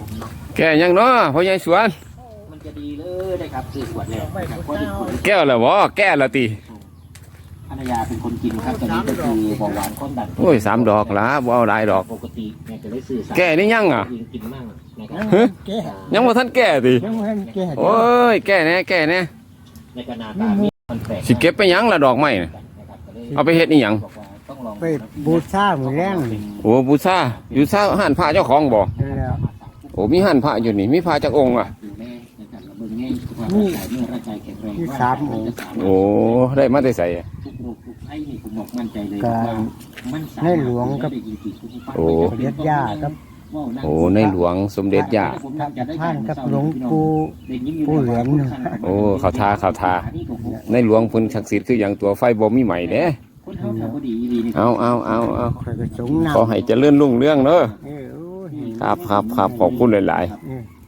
แก่ยังเนาะพ่อใหญ่สวนมันจะดีเลยนะครับซื้อขวดแล้วแก้วแล้วบ่แก้แล้วติภรรยาเป็นคนกินครับตอนนี้ก็คือเบาหวานความดันโอ้ย3ดอกละบ่เอาหลายดอกปกติเนี่ยจะได้ซื้อแก่นี่ยังอ่ะกินมั่งนะครับยังบ่ทันแก่ติโอ้ยแก่แน่ในกระนาตามีมันแปลกสิเก็บไปยังละดอกไม้เอาไปเฮ็ดอีหยังไปบูชาหมู่แรงโอ้บูชาอยู่ซาห้านพระเจ้าของบ่โอ้มีห้านพระอยู่นี่มีพระจักองค์อ่ะนี่ที่3 องค์โอ้ได้มาแต่ไสในหลวงกับโอ้เด็ดย่ากับโอ้ในหลวงสมเด็จย่าท่านกับหลวงปู่เหลืองโอ้เขาทาในหลวงเพิ่นศักดิ์สิทธิ์คืออย่างตัวไฟบ่มีใหม่เด้เอาขอให้เจริญรุ่งเรืองเด้อครับขอบคุณหลายๆ